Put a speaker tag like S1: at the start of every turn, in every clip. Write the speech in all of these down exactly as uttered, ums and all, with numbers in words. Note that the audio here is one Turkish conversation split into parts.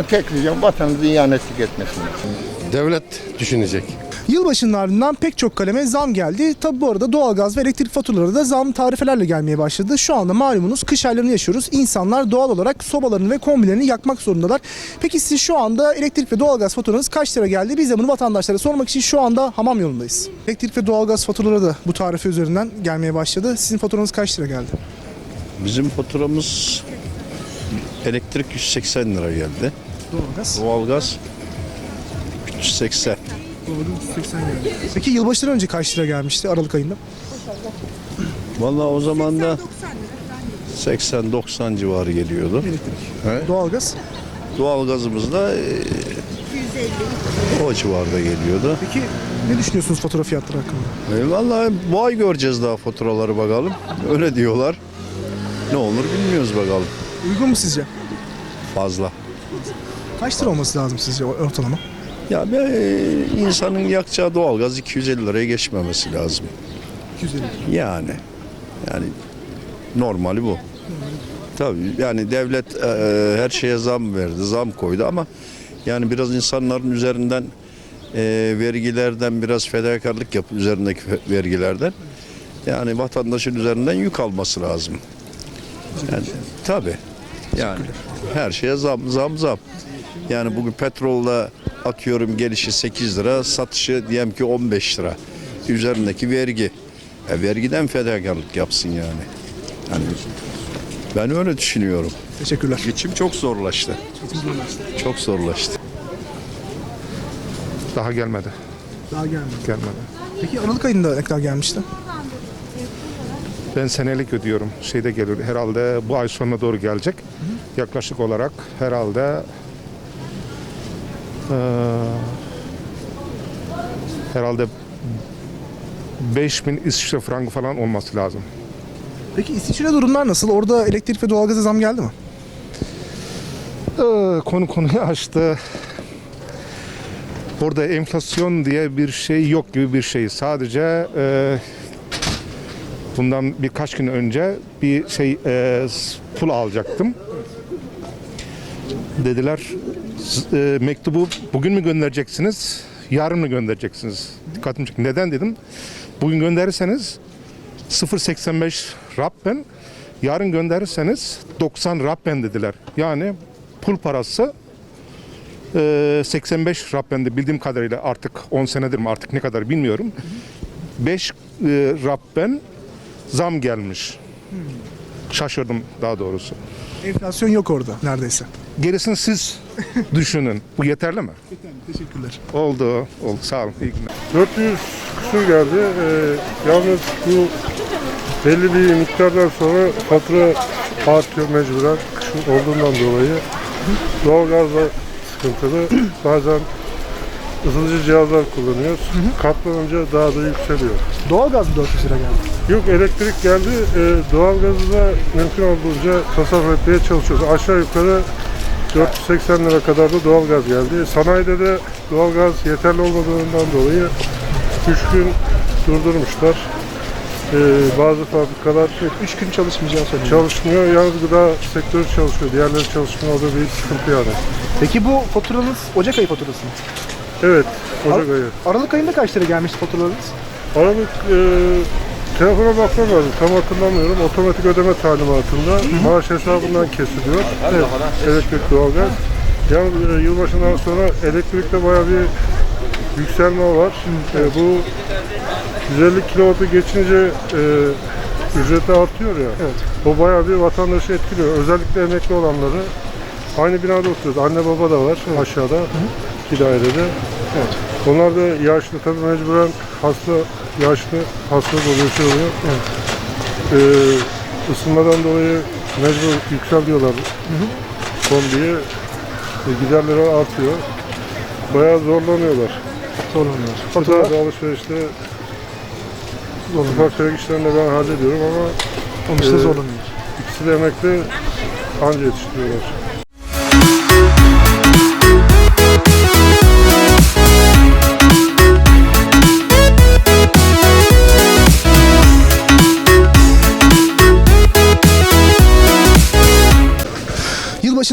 S1: tek ricam vatanımızı ihanetlik etmesin.
S2: Devlet düşünecek.
S3: Yılbaşının ardından pek çok kaleme zam geldi. Tabi bu arada doğalgaz ve elektrik faturaları da zam tarifelerle gelmeye başladı. Şu anda malumunuz kış aylarını yaşıyoruz. İnsanlar doğal olarak sobalarını ve kombilerini yakmak zorundalar. Peki siz şu anda elektrik ve doğalgaz faturanız kaç lira geldi? Biz de bunu vatandaşlara sormak için şu anda hamam yolundayız. Elektrik ve doğalgaz faturaları da bu tarife üzerinden gelmeye başladı. Sizin faturanız kaç lira geldi?
S4: Bizim faturamız elektrik yüz seksen lira geldi.
S3: Doğalgaz?
S4: Doğalgaz üç yüz seksen.
S3: Peki yılbaşından önce kaç lira gelmişti Aralık ayında?
S4: Vallahi o zaman da seksen doksan civarı geliyordu.
S3: Elektrik. Doğalgaz?
S4: Doğalgazımız da e, o civarda geliyordu.
S3: Peki ne düşünüyorsunuz fatura fiyatları hakkında?
S4: E, vallahi bu ay göreceğiz daha faturaları bakalım. Öyle diyorlar. Ne olur bilmiyoruz bakalım.
S3: Uygun mu sizce?
S4: Fazla.
S3: Kaç lira olması lazım sizce ortalama?
S4: Ya be, e, insanın yakacağı doğalgaz iki yüz elli liraya geçmemesi lazım.
S3: iki yüz elli.
S4: Yani yani normali bu. Tabii yani devlet e, her şeye zam verdi, zam koydu ama yani biraz insanların üzerinden e, vergilerden biraz fedakarlık yap üzerindeki vergilerden. Yani vatandaşın üzerinden yük alması lazım. Yani tabii. Yani her şeye zam zam zam. Yani bugün petrolla atıyorum gelişi sekiz lira, satışı diyelim ki on beş lira. Üzerindeki vergi. E, vergiden fedakarlık yapsın yani. Yani ben öyle düşünüyorum.
S3: Teşekkürler.
S4: Geçim çok zorlaştı. Çok zorlaştı.
S2: Daha gelmedi.
S3: Daha gelmedi.
S2: Gelmedi.
S3: Peki Aralık ayında ne kadar gelmişti?
S2: Ben senelik ödüyorum. Şeyde geliyor. Herhalde bu ay sonuna doğru gelecek. Yaklaşık olarak herhalde eee, herhalde beş bin İsviçre frangı falan olması lazım.
S3: Peki İsviçre durumlar nasıl? Orada elektrik ve doğalgaza zam geldi mi?
S2: Ee, konu konuyu açtı. Burada enflasyon diye bir şey yok gibi bir şey. Sadece e, bundan birkaç gün önce bir şey e, pul alacaktım. Dediler "S- e, mektubu bugün mü göndereceksiniz, yarın mı göndereceksiniz? Dikkatimi çekti. Neden dedim. Bugün gönderirseniz sıfır virgül seksen beş Rappen, yarın gönderirseniz doksan Rappen dediler. Yani pul parası e, seksen beş Rappen'de bildiğim kadarıyla artık on senedir mi artık ne kadar bilmiyorum. beş e, Rappen zam gelmiş. Şaşırdım daha doğrusu.
S3: Enflasyon yok orada neredeyse.
S2: Gerisini siz düşünün. Bu yeterli mi?
S3: Teşekkürler.
S2: Oldu. Oldu. Sağ olun. İyi günler.
S5: dört yüz küsur geldi. Ee, yalnız bu belli bir miktardan sonra fatura artıyor mecburen kışın olduğundan dolayı. Doğalgaz da sıkıntılı. Bazen ısıtıcı cihazlar kullanıyoruz. Katlanınca daha da yükseliyor.
S3: Doğalgaz mı dört yüz lira geldi?
S5: Yok, elektrik geldi. Ee, doğalgazı da mümkün olduğunca tasarruf etmeye çalışıyoruz. Aşağı yukarı dört yüz seksen lira kadar da doğalgaz geldi. Sanayide de doğalgaz yeterli olmadığından dolayı üç gün durdurmuşlar. Ee, bazı fabrikalar
S3: üç gün çalışmayacağı söyleniyor.
S5: çalışmıyor. Yalnız gıda sektörü çalışıyor. Diğerleri çalışmıyor. O da bir sıkıntı yani.
S3: Peki bu faturanız Ocak ayı faturası mı?
S5: Evet. Ocak
S3: Ar-
S5: ayı.
S3: Aralık ayında kaç lira gelmişti faturalarınız?
S5: Aralık e, telefona bakmam lazım. Tam hatırlamıyorum. Otomatik ödeme talimatında maaş hesabından kesiliyor. Evet. Elektrik, doğalgaz. Yani e, yılbaşından sonra elektrikte bayağı bir yükselme var. E, bu yüz elli kilovatı geçince e, ücreti artıyor ya.
S3: Evet.
S5: O bayağı bir vatandaşı etkiliyor. Özellikle emekli olanları. Aynı binada oturuyoruz. Anne baba da var aşağıda. İki dairede.
S3: Evet.
S5: Onlar da yaşlı, tabii mecburen hasta, yaşlı hastalık oluyor, şey oluyor.
S3: Evet.
S5: Ee, ısınmadan dolayı mecbur yükseliyorlar kombiye. E, giderleri artıyor. Bayağı zorlanıyorlar.
S3: Zorlanıyor.
S5: Faturalar
S3: Faturalar
S5: da alışverişte
S3: zorlanıyor.
S5: ufak tefek işlerini de ben hallediyorum ama
S3: Onun için
S5: Ee,
S3: zorlanıyor.
S5: ikisi de emekli anca yetiştiriyorlar.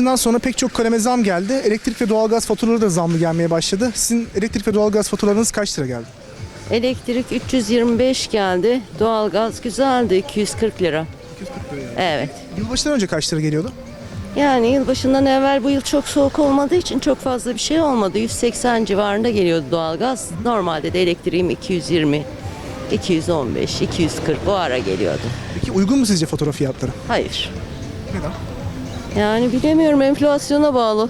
S3: yılbaşından sonra pek çok kaleme zam geldi. Elektrik ve doğalgaz faturaları da zamlı gelmeye başladı. Sizin elektrik ve doğalgaz faturalarınız kaç lira geldi?
S6: Elektrik üç yüz yirmi beş geldi. Doğalgaz güzeldi iki yüz kırk lira. Evet.
S3: Yılbaşından önce kaç lira geliyordu?
S6: Yani yılbaşından evvel bu yıl çok soğuk olmadığı için çok fazla bir şey olmadı. yüz seksen civarında geliyordu doğalgaz. Normalde de elektriğim iki yüz yirmi, iki yüz on beş, iki yüz kırk bu ara geliyordu.
S3: Peki uygun mu sizce fatura fiyatları?
S6: Hayır.
S3: Neden?
S6: Yani bilemiyorum, enflasyona bağlı.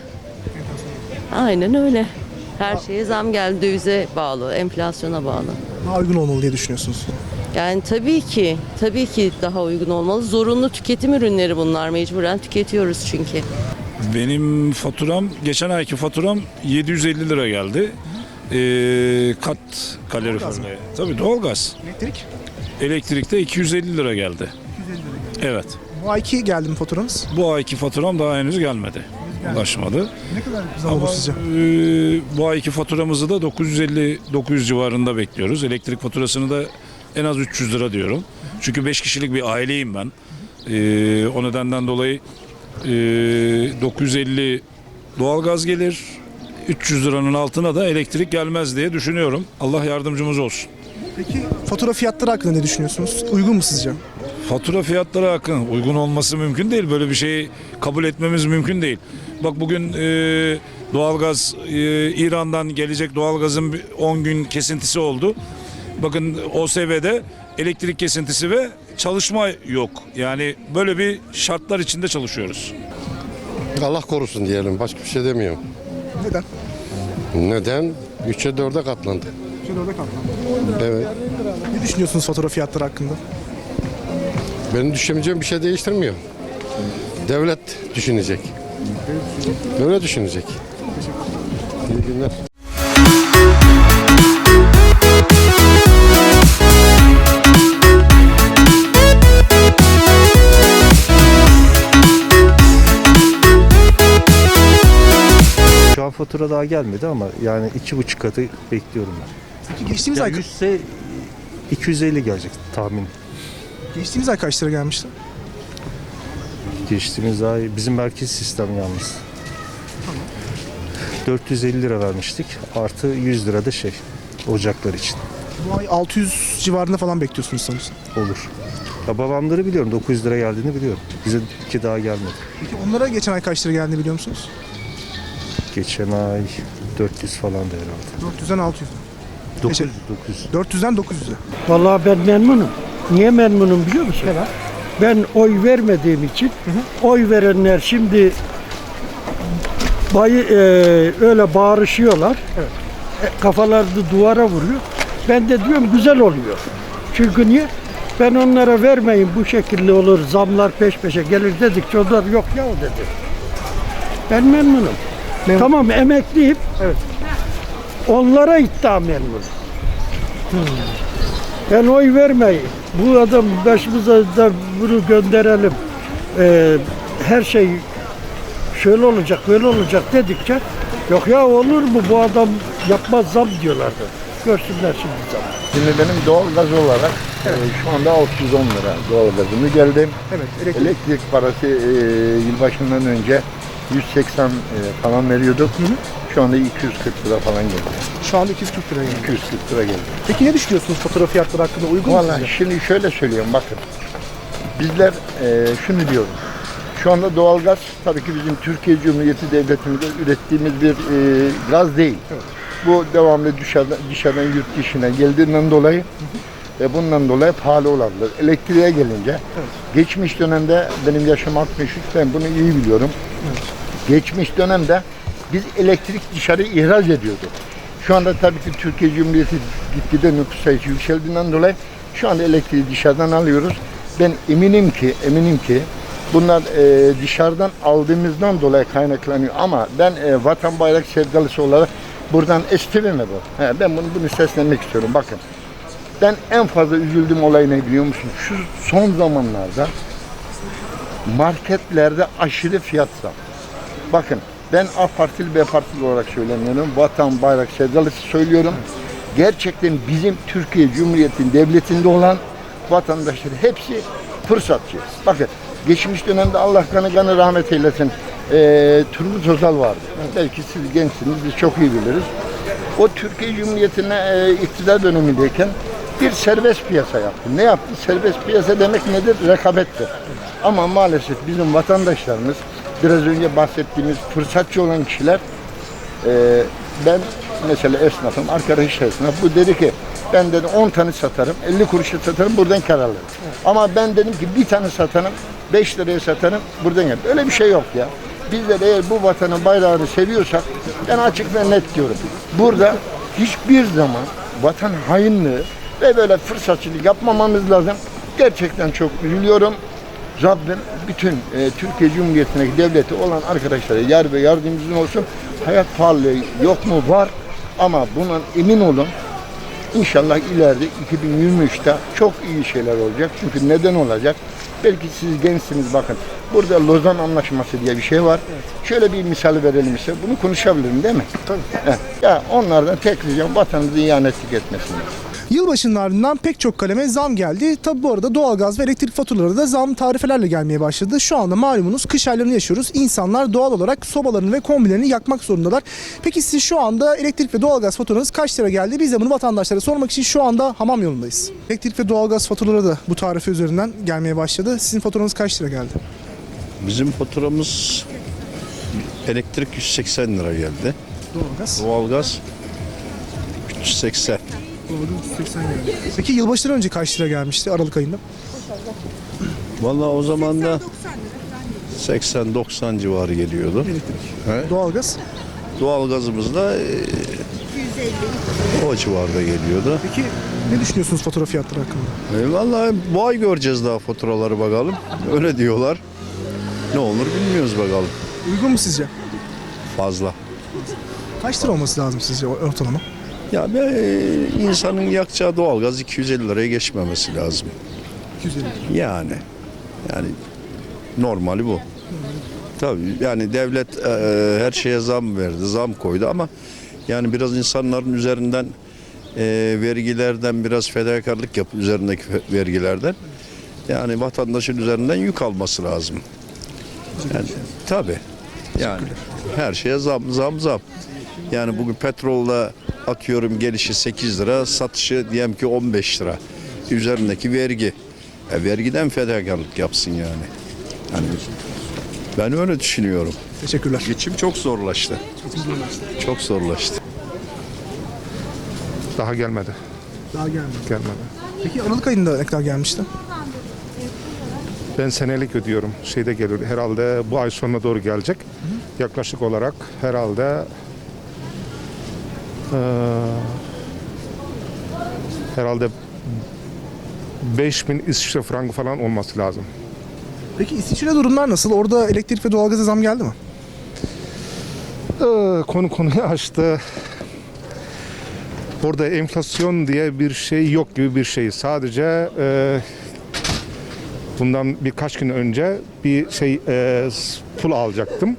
S6: Aynen öyle. Her şeye zam geldi, dövize bağlı, enflasyona bağlı.
S3: Daha uygun olmalı diye düşünüyorsunuz.
S6: Yani tabii ki, tabii ki daha uygun olmalı. Zorunlu tüketim ürünleri bunlar. Mecburen tüketiyoruz çünkü.
S7: Benim faturam, geçen ayki faturam yedi yüz elli lira geldi. Ee, kat kaloriferle. Tabii doğalgaz.
S3: Elektrik?
S7: Elektrikte iki yüz elli lira geldi. Evet.
S3: Bu ayki geldi mi faturanız?
S7: Bu ayki faturam daha henüz gelmedi. Ulaşmadı.
S3: Ne kadar zam olur
S7: Ama
S3: sizce?
S7: e, bu ayki faturamızı da dokuz yüz elli dokuz yüz civarında bekliyoruz. Elektrik faturasını da en az üç yüz lira diyorum. Çünkü beş kişilik bir aileyim ben. Ee, o nedenden dolayı e, dokuz yüz elli doğalgaz gelir. üç yüz liranın altına da elektrik gelmez diye düşünüyorum. Allah yardımcımız olsun.
S3: Peki fatura fiyatları hakkında ne düşünüyorsunuz? Uygun mu sizce?
S7: Fatura fiyatları hakkında uygun olması mümkün değil. Böyle bir şeyi kabul etmemiz mümkün değil. Bak bugün e, doğalgaz e, İran'dan gelecek doğalgazın on gün kesintisi oldu. Bakın O S B'de elektrik kesintisi ve çalışma yok. Yani böyle bir şartlar içinde çalışıyoruz.
S8: Allah korusun diyelim. Başka bir şey demiyorum.
S3: Neden?
S8: Neden? üçe dörde katlandı.
S3: Şöyle orada kaldı.
S8: Evet.
S3: Ne düşünüyorsunuz fatura fiyatları hakkında?
S8: Benim düşüneceğim bir şey değiştirmiyor. Devlet düşünecek. Devlet düşünecek. İyi günler.
S9: Şu an fatura daha gelmedi ama yani iki buçuk katı bekliyorum ben.
S3: Peki geçtiğimiz
S9: Ya
S3: ay
S9: yüzse iki yüz elli gelecek tahmin.
S3: geçtiğimiz ay kaç lira gelmişti?
S9: Geçtiğimiz ay bizim merkez sistem yalnız. dört yüz elli lira vermiştik. Artı yüz lira da şey ocaklar için
S3: Bu ay altı yüz civarında falan bekliyorsunuz sanırsam.
S9: olur. Ya babamları biliyorum, dokuz yüz lira geldiğini biliyorum. Bize ki daha gelmedi.
S3: Peki onlara geçen ay kaç lira geldiğini biliyor musunuz?
S9: Geçen ay dört yüz falan da herhalde.
S3: dört yüzden altı yüz.
S9: dokuz yüz, dokuz yüz.
S3: dört yüzden dokuz yüze.
S10: Vallahi ben memnunum. Niye memnunum biliyor musun? Ben oy vermediğim için oy verenler şimdi bayı, e, öyle bağırışıyorlar. E, kafalarını duvara vuruyor. Ben de diyorum güzel oluyor. Çünkü niye? Ben onlara vermeyin bu şekilde olur, zamlar peş peşe gelir dedikçe onlar yok ya dedi. Ben memnunum.
S3: Memnun.
S10: Tamam emekliyim.
S3: Evet.
S10: Onlara iddia memnunum. Ben oy vermeyin. Bu adam başımıza da bunu gönderelim. Ee, her şey şöyle olacak, böyle olacak dedikçe yok ya olur mu bu adam yapmaz zam diyorlardı. Görsünler şimdi zam.
S1: Şimdi benim doğalgaz olarak e, şu anda altı yüz on lira doğalgazımı geldim.
S3: Evet, elektrik.
S1: Elektrik parası e, yılbaşından önce yüz seksen e, falan veriyorduk. Şu anda iki yüz kırk lira falan geldi.
S3: Şu anda iki yüz kırk lira geldi.
S1: iki yüz kırk lira geldi.
S3: Peki ne düşünüyorsunuz fatura fiyatları hakkında? Uygun mu
S1: Vallahi
S3: sizce?
S1: şimdi şöyle söylüyorum bakın. Bizler e, şunu diyoruz. Şu anda doğalgaz tabii ki bizim Türkiye Cumhuriyeti Devletimizde ürettiğimiz bir e, gaz değil.
S3: Evet.
S1: Bu devamlı dışarıdan, dışarıdan yurt dışına geldiğinden dolayı ve bundan dolayı pahalı olabilir. Elektriğe gelince
S3: Evet.
S1: geçmiş dönemde benim yaşım altmış üç, ben bunu iyi biliyorum.
S3: Evet.
S1: Geçmiş dönemde biz elektrik dışarı ihraç ediyorduk. Şu anda tabii ki Türkiye Cumhuriyeti gitgide nüfus sayısı yükseldiğinden dolayı şu anda elektriği dışarıdan alıyoruz. Ben eminim ki, eminim ki bunlar e, dışarıdan aldığımızdan dolayı kaynaklanıyor. Ama ben e, vatan bayrak sevdalısı olarak buradan esprime bu. He, ben bunu, bunu seslenmek istiyorum. Bakın ben en fazla üzüldüğüm olay ne biliyor musunuz? Şu son zamanlarda marketlerde aşırı fiyat zam. Bakın ben A Partili B Partili olarak söylemiyorum. Vatan bayrak sevdalısı söylüyorum. Gerçekten bizim Türkiye Cumhuriyeti'nin devletinde olan vatandaşlar hepsi fırsatçı. Bakın geçmiş dönemde Allah kanı kanı rahmet eylesin. e, Turgut Özal vardı. Belki siz gençsiniz, biz çok iyi biliriz. O Türkiye Cumhuriyeti'ne e, iktidar dönemindeyken bir serbest piyasa yaptı. Ne yaptı? Serbest piyasa demek nedir? Rekabettir. Ama maalesef bizim vatandaşlarımız, biraz önce bahsettiğimiz fırsatçı olan kişiler, e, ben mesela esnafım, arkadaş esnaf, bu dedi ki ben dedi on tane satarım, elli kuruşa satarım, buradan kar alırım. Ama ben dedim ki bir tane satarım, beş liraya satarım, buradan kar. Öyle bir şey yok ya. Bizler eğer bu vatanın bayrağını seviyorsak, ben açık ve net diyorum. Burada hiçbir zaman vatan hainliği ve böyle fırsatçılık yapmamamız lazım. Gerçekten çok üzülüyorum. Rabbim bütün e, Türkiye Cumhuriyeti'ndeki devleti olan arkadaşlara yar ve yardımcımız olsun. Hayat pahalılığı yok mu? Var. Ama bundan emin olun. İnşallah ileride iki bin yirmi üçte çok iyi şeyler olacak. Çünkü neden olacak? Belki siz gençsiniz, bakın. Burada Lozan Anlaşması diye bir şey var. Evet. Şöyle bir misal verelim size. Bunu konuşabilirim değil mi?
S3: Tabii.
S1: Heh. Ya onlardan tek ricam vatanımızı ihanetlik etmesinler.
S3: Yılbaşının ardından pek çok kaleme zam geldi. Tabi bu arada doğalgaz ve elektrik faturaları da zam tarifelerle gelmeye başladı. Şu anda malumunuz kış aylarını yaşıyoruz. İnsanlar doğal olarak sobalarını ve kombilerini yakmak zorundalar. Peki siz şu anda elektrik ve doğalgaz faturanız kaç lira geldi? Biz de bunu vatandaşlara sormak için şu anda hamam yolundayız. Elektrik ve doğalgaz faturaları da bu tarife üzerinden gelmeye başladı. Sizin faturanız kaç lira geldi?
S4: Bizim faturamız elektrik yüz seksen lira geldi.
S3: Doğalgaz?
S4: Doğalgaz üç yüz seksen.
S3: Doğalgaz yüz seksen geldi. Peki yılbaşından önce kaç lira gelmişti Aralık ayında?
S4: Vallahi o zaman da seksen doksan civarı geliyordu.
S3: Elektrik.
S4: He?
S3: Doğalgaz?
S4: Doğalgazımız da e, o civarda geliyordu.
S3: Peki ne düşünüyorsunuz fatura fiyatları hakkında?
S4: E, vallahi bu ay göreceğiz daha faturaları bakalım. Öyle diyorlar. Ne olur bilmiyoruz bakalım.
S3: Uygun mu sizce?
S4: Fazla.
S3: Kaç lira olması lazım sizce ortalama?
S4: Ya be, e, insanın yakacağı doğalgaz iki yüz elli liraya geçmemesi lazım.
S3: iki yüz elli.
S4: Yani yani normali bu. Tabii yani devlet e, her şeye zam verdi, zam koydu ama yani biraz insanların üzerinden e, vergilerden biraz fedakarlık yap üzerindeki vergilerden. Yani vatandaşın üzerinden yük alması lazım. Yani tabii. Yani her şeye zam zam zam. Yani bugün petrolla atıyorum gelişi sekiz lira, satışı diyelim ki on beş lira. Üzerindeki vergi. E, vergiden fedakarlık yapsın yani. Yani ben öyle düşünüyorum.
S3: Teşekkürler.
S4: Geçim çok zorlaştı. Çok zorlaştı.
S2: Daha gelmedi.
S3: Daha gelmedi.
S2: Gelmedi.
S3: Peki Aralık ayında ne kadar gelmişti?
S2: Ben senelik ödüyorum. Şeyde geliyor. Herhalde bu ay sonuna doğru gelecek. Yaklaşık olarak herhalde eee, herhalde beş bin İsviçre frangı falan olması lazım.
S3: Peki İsviçre durumlar nasıl? Orada elektrik ve doğalgaza zam geldi mi?
S2: Ee, konu konuyu açtı. Orada enflasyon diye bir şey yok gibi bir şey. Sadece e, bundan birkaç gün önce bir şey e, pul alacaktım.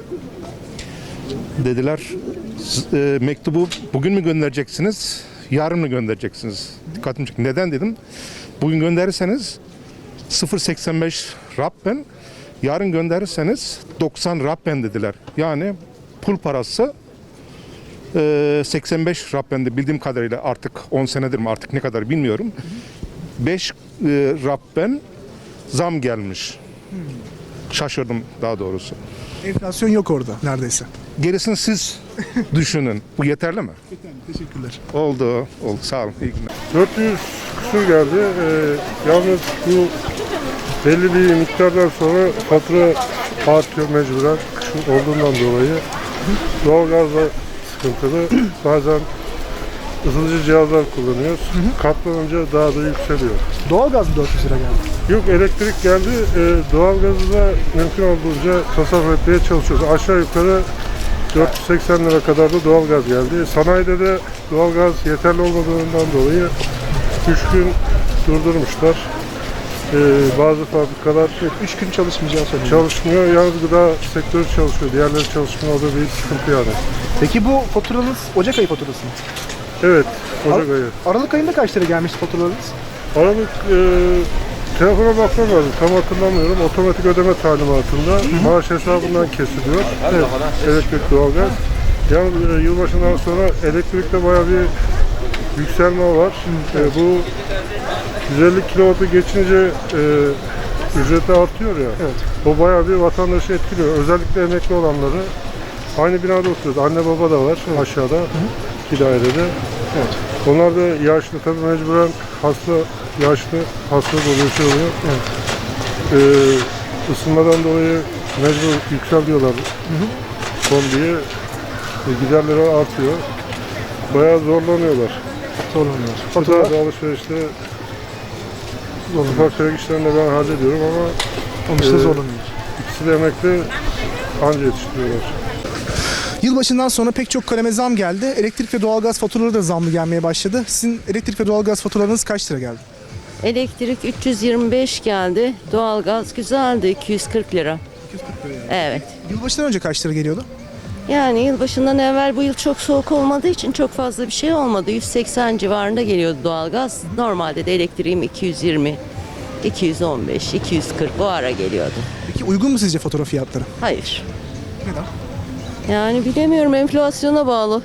S2: Dediler e, mektubu bugün mü göndereceksiniz, yarın mı göndereceksiniz? Dikkatimi çekti. Neden dedim? Bugün gönderirseniz sıfır virgül seksen beş Rappen, yarın gönderirseniz doksan Rappen dediler. Yani pul parası e, seksen beş Rappen'de bildiğim kadarıyla, artık on senedir mi artık ne kadar bilmiyorum. beş e, Rappen zam gelmiş. Şaşırdım daha doğrusu.
S3: Enflasyon yok orada neredeyse.
S2: Gerisini siz düşünün. Bu yeterli mi?
S3: Teşekkürler.
S2: Oldu. Oldu. Sağ olun. İyi günler.
S5: dört yüz küsur geldi. Ee, yalnız bu belli bir miktardan sonra fatura artıyor mecburen. Kışın olduğundan dolayı. Doğalgaz da sıkıntılı. Bazen ısıtıcı cihazlar kullanıyoruz. Katlanınca daha da yükseliyor.
S3: Doğalgaz mı dört yüz lira geldi?
S5: Yok, elektrik geldi. Ee, doğalgazı da mümkün olduğunca tasarruf etmeye çalışıyoruz. Aşağı yukarı dört yüz seksen lira kadar da doğalgaz geldi. Sanayide de doğalgaz yeterli olmadığından dolayı üç gün durdurmuşlar. Ee, bazı fabrikalar
S3: üç gün çalışmayacağı söyleniyor.
S5: çalışmıyor. Yalnız gıda sektörü çalışıyor. Diğerleri çalışmıyor. O da bir sıkıntı yani.
S3: Peki bu faturanız Ocak ayı faturası mı?
S5: Evet. Ocak
S3: Ar-
S5: ayı.
S3: Aralık ayında kaç lira gelmişti faturalarınız?
S5: Aralık e, Telefona bakmam lazım. Tam hatırlamıyorum. Otomatik ödeme talimatında maaş hesabından kesiliyor. Evet. Elektrik, doğalgaz. Yani e, yılbaşından sonra elektrikte bayağı bir yükselme var. E, bu yüz elli kilovatı geçince e, ücreti artıyor ya.
S3: Evet.
S5: O bayağı bir vatandaşı etkiliyor. Özellikle emekli olanları. Aynı binada oturuyoruz. Anne baba da var aşağıda. iki dairede.
S3: Evet.
S5: Onlar da yaşlı tabii mecburen hasta, yaşlı hasta oluyor, şey oluyor.
S3: Evet.
S5: Ee, ısınmadan dolayı mecbur yükseliyorlar. Kombiye e, giderleri artıyor. Bayağı zorlanıyorlar.
S3: Zorlanıyorlar.
S5: Fatura
S3: Fatura
S5: alışverişte ufak tefek işlerini de ben hallediyorum ama
S3: onun için
S5: e,
S3: zorlanıyor.
S5: ikisi de emekli anca yetiştiriyorlar.
S3: Yılbaşından sonra pek çok kaleme zam geldi. Elektrik ve doğalgaz faturaları da zamlı gelmeye başladı. Sizin elektrik ve doğalgaz faturalarınız kaç lira geldi?
S6: Elektrik üç yüz yirmi beş geldi. Doğalgaz güzeldi iki yüz kırk lira.
S3: iki yüz kırk lira yani.
S6: Evet.
S3: Yılbaşından önce kaç lira geliyordu?
S6: Yani yılbaşından evvel bu yıl çok soğuk olmadığı için çok fazla bir şey olmadı. yüz seksen civarında geliyordu doğalgaz. Normalde de elektriğim iki yüz yirmi, iki yüz on beş, iki yüz kırk bu ara geliyordu.
S3: Peki uygun mu sizce fatura fiyatları?
S6: Hayır.
S3: Neden?
S6: Yani bilemiyorum, enflasyona bağlı.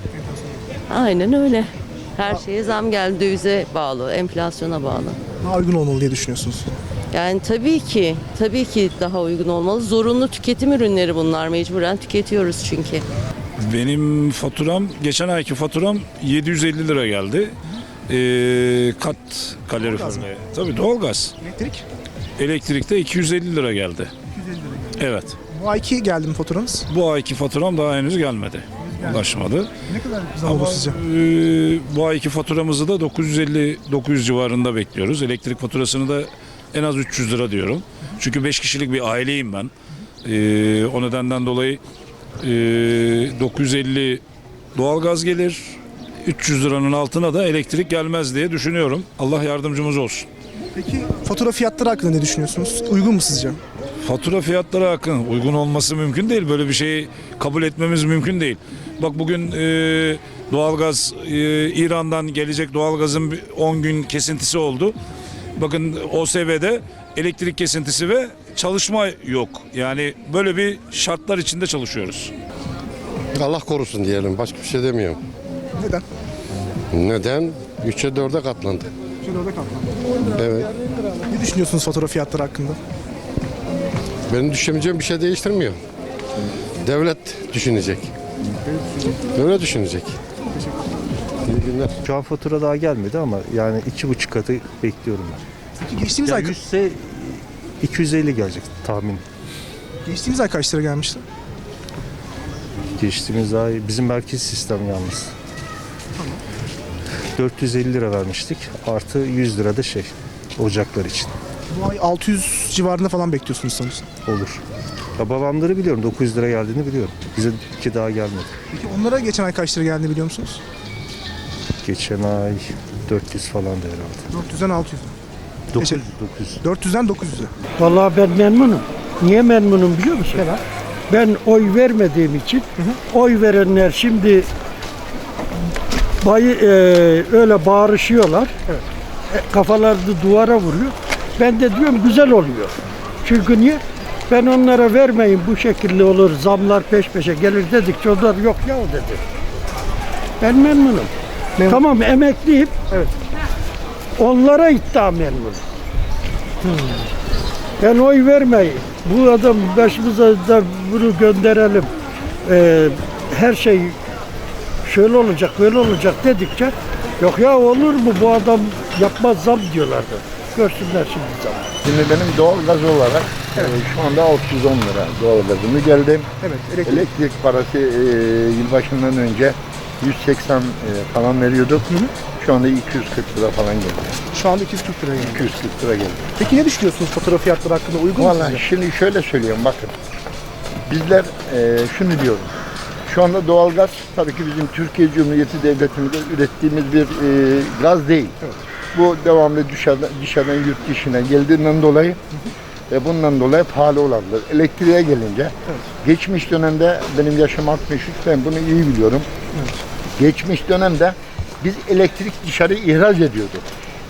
S6: Aynen öyle. Her şeye zam geldi, dövize bağlı, enflasyona bağlı.
S3: Daha uygun olmalı diye düşünüyorsunuz.
S6: Yani tabii ki, tabii ki daha uygun olmalı. Zorunlu tüketim ürünleri bunlar, mecburen tüketiyoruz çünkü.
S7: Benim faturam, geçen ayki faturam yedi yüz elli lira geldi. Ee, kat kaloriferle. Tabii doğalgaz.
S3: Elektrik?
S7: Elektrikte iki yüz elli lira geldi.
S3: iki yüz elli lira.
S7: Evet.
S3: Bu ayki geldi mi faturanız?
S7: Bu ayki faturam daha henüz gelmedi. Ulaşmadı.
S3: Ne kadar zam
S7: Ama
S3: oldu sizce?
S7: e, bu ayki faturamızı da dokuz yüz elli dokuz yüz civarında bekliyoruz. Elektrik faturasını da en az üç yüz lira diyorum. Çünkü beş kişilik bir aileyim ben. E, o nedenden dolayı e, dokuz yüz elli doğalgaz gelir. üç yüz liranın altına da elektrik gelmez diye düşünüyorum. Allah yardımcımız olsun.
S3: Peki fatura fiyatları hakkında ne düşünüyorsunuz? Uygun mu sizce?
S7: Fatura fiyatları hakkında uygun olması mümkün değil. Böyle bir şeyi kabul etmemiz mümkün değil. Bak bugün e, doğalgaz e, İran'dan gelecek doğalgazın on gün kesintisi oldu. Bakın O S B'de elektrik kesintisi ve çalışma yok. Yani böyle bir şartlar içinde çalışıyoruz.
S8: Allah korusun diyelim. Başka bir şey demiyorum.
S3: Neden?
S8: Neden? üçe dörde katlandı.
S3: Şöyle orada katlandı.
S8: Evet.
S3: Ne düşünüyorsunuz fatura fiyatları hakkında?
S8: Benim düşüneceğim bir şey değiştirmiyor. Devlet düşünecek. Devlet düşünecek. İyi günler.
S9: Şu an fatura daha gelmedi ama yani iki buçuk katı bekliyorum ben.
S3: Peki geçtiğimiz ay,
S9: Yani yüzse iki yüz elli gelecek tahmin.
S3: geçtiğimiz ay kaç lira gelmişti?
S9: Geçtiğimiz ay bizim merkez sistem yalnız. dört yüz elli lira vermiştik. Artı yüz lira da şey ocaklar için
S3: Bu ay altı yüz civarında falan bekliyorsunuz sanırsam.
S9: olur. Ya babamları biliyorum dokuz yüz lira geldiğini biliyorum. Bize iki daha gelmedi.
S3: Peki onlara geçen ay kaç lira geldiğini biliyor musunuz?
S9: Geçen ay dört yüz falan da herhalde.
S3: dört yüzden altı yüz.
S9: dokuz
S3: Geçen-
S9: yüz, dokuz yüz.
S3: dört yüzden dokuz yüze.
S10: Vallahi ben memnunum. Niye memnunum biliyor musun?
S3: Neden?
S10: Ben oy vermediğim için oy verenler şimdi bayı e, öyle bağırışıyorlar.
S3: Evet.
S10: E, kafalarını duvara vuruyor. Ben de diyorum güzel oluyor. Çünkü niye? Ben onlara vermeyin bu şekilde olur zamlar peş peşe gelir dedikçe onlar yok ya dedi. Ben memnunum.
S3: Memnun.
S10: Tamam emekliyim.
S3: Evet.
S10: Onlara iddia memnunum. Ben oy vermeyin. Bu adam başımıza da bunu gönderelim. Ee, her şey şöyle olacak, böyle olacak dedikçe yok ya olur mu bu adam yapmaz zam diyorlardı. Görsünler şimdi zam.
S1: Şimdi benim doğalgaz olarak e, şu anda altı yüz on lira doğalgazımı geldi.
S3: Evet. Elektrik.
S1: Elektrik parası e, yılbaşından önce yüz seksen e, falan veriyorduk. Şu anda iki yüz kırk lira falan geldi.
S3: Şu anda iki yüz kırk lira geldi.
S1: iki yüz kırk lira geldi.
S3: Peki ne düşünüyorsunuz fatura fiyatları hakkında? Uygun mu
S1: Vallahi
S3: sizce?
S1: şimdi şöyle söylüyorum bakın. Bizler e, şunu diyoruz. Şu anda doğalgaz tabii ki bizim Türkiye Cumhuriyeti Devletimizde ürettiğimiz bir e, gaz değil.
S3: Evet.
S1: Bu devamlı dışarıdan, dışarıdan yurt dışına geldiğinden dolayı ve bundan dolayı pahalı olanlar. Elektriğe gelince geçmiş dönemde benim yaşım altmış üç, ben bunu iyi biliyorum. Geçmiş dönemde biz elektrik dışarı ihraç ediyorduk.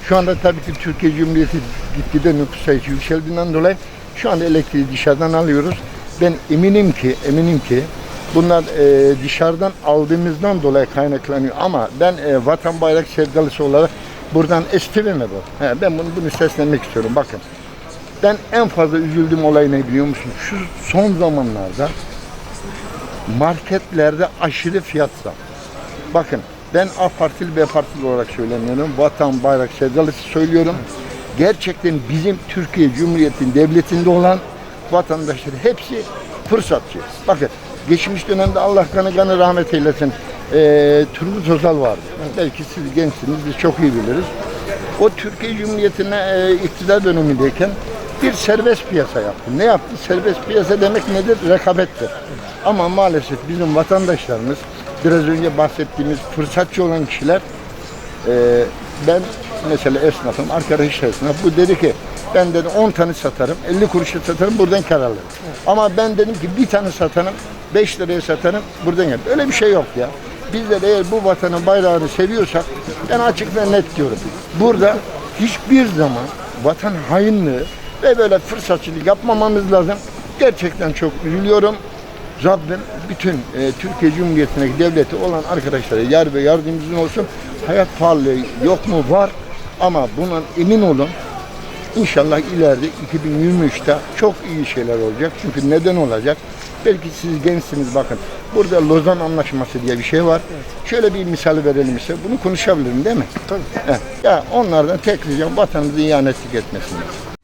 S1: Şu anda tabii ki Türkiye Cumhuriyeti gitgide nüfus sayısı yükseldiğinden dolayı şu anda elektriği dışarıdan alıyoruz. Ben eminim ki, eminim ki bunlar e, dışarıdan aldığımızdan dolayı kaynaklanıyor. Ama ben e, vatan bayrak sevdalısı olarak buradan estivime bu. He, ben bunu, bunu seslenmek istiyorum. Bakın, ben en fazla üzüldüğüm olay ne biliyor musun? Şu son zamanlarda marketlerde aşırı fiyat zam. Bakın, ben A partili B partili olarak söylemiyorum. Vatan bayrak sevdalısı söylüyorum. Gerçekten bizim Türkiye Cumhuriyeti'nin devletinde olan vatandaşlar hepsi fırsatçı. Bakın, geçmiş dönemde Allah kanı kanı rahmet eylesin, e, Turgut Özal vardı. Belki siz gençsiniz, biz çok iyi biliriz. O Türkiye Cumhuriyeti'ne e, iktidar dönemindeyken bir serbest piyasa yaptı. Ne yaptı? Serbest piyasa demek nedir? Rekabettir. Ama maalesef bizim vatandaşlarımız, biraz önce bahsettiğimiz fırsatçı olan kişiler, e, ben mesela esnafım, arkadaş esnaf, bu dedi ki ben dedi on tane satarım, elli kuruşa satarım, buradan kar alırım. ama ben dedim ki bir tane satarım, beş liraya satarım, buradan yap. Öyle bir şey yok ya. Bizler eğer bu vatanın bayrağını seviyorsak, ben açık ve net diyorum. Burada hiçbir zaman vatan hainliği ve böyle fırsatçılık yapmamamız lazım. Gerçekten çok üzülüyorum. Rabbim bütün e, Türkiye Cumhuriyeti'ndeki devleti olan arkadaşlara yar ve yardımcımız olsun. Hayat pahalılığı yok mu? Var. Ama bundan emin olun. İnşallah ileride iki bin yirmi üçte çok iyi şeyler olacak. Çünkü neden olacak? Belki siz gençsiniz, bakın. Burada Lozan Anlaşması diye bir şey var. Evet. Şöyle bir misal verelim size. Bunu konuşabilirim değil mi?
S3: Tabii.
S1: Evet. Ya onlardan tek ricam vatanımızı ihanetlik etmesinler.